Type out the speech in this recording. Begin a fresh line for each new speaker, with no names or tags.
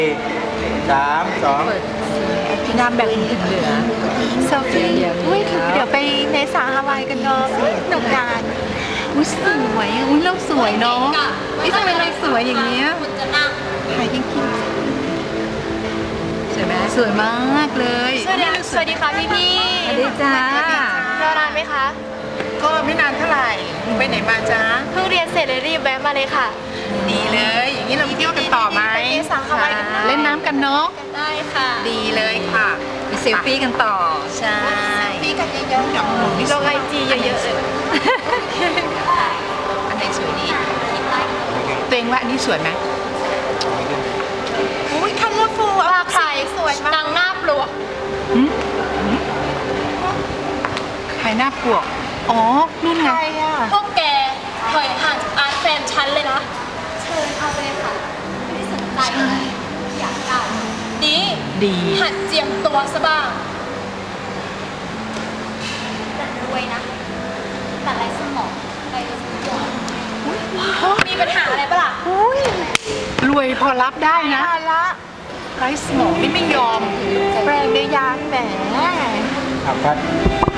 3 2
พี่น้ำแบ่งถึงเหลือ
เซลฟี่อุ้ยเดี๋ยวไปในสาฮาวายกันเนาะหนุกงาน
อุ้ยสวยอุ้ยเราสวยเนาะนี่ทำไมเราสวยอย่างเงี้ย
ถ่ายจริง
สวยไหมสวยมากเลย
ๆสวัสดีค่ะพี่พี่
สวัสดีจ้าร
อนานไหมคะ
ก็ไม่นานเท่าไหร่ไปไหนมาจ๊ะ
เพิ่งเรียนเสร็จเลยรีบแวะมาเลยค่ะ
ดีเลย อย่างนี้เราไปเที่ยวกันต่อไหม
ไปในสาฮาวายกัน
เล่นน้ำกันเนาะ
ได้ค่ะ
ดีเลยค่ะ
ไปเซลฟี่กันต่อ
ใช่พี่กันเยอะๆกับหนูนี่
ลงไอจีเยอะๆเลย
อันไหนสวยดีตัวเองว่าอันนี้สวยไหมอุ้ยคันเลอร์ฟูล
ว่าใครสวยมากนางหน้าปลวก
ใครหน้าปวกอ๋อนู่นไง
พวกแกถอยห่างจากอาร์ตแฟนฉันเลยนะ เชิญเข้าไปเลยค่ะ ไม่ได้สนใจอยากได้ดี
ดี
หัดเจียมตัวซะบ้างแต่รวยนะ แต่ไรสมองไปดูสมองมีปัญหาอะไรปะล่ะ
รวยพอรับได้นะ
ละ
ไร้สมองนี่ไม่ยอม
แปลงในยางแหม
ครับ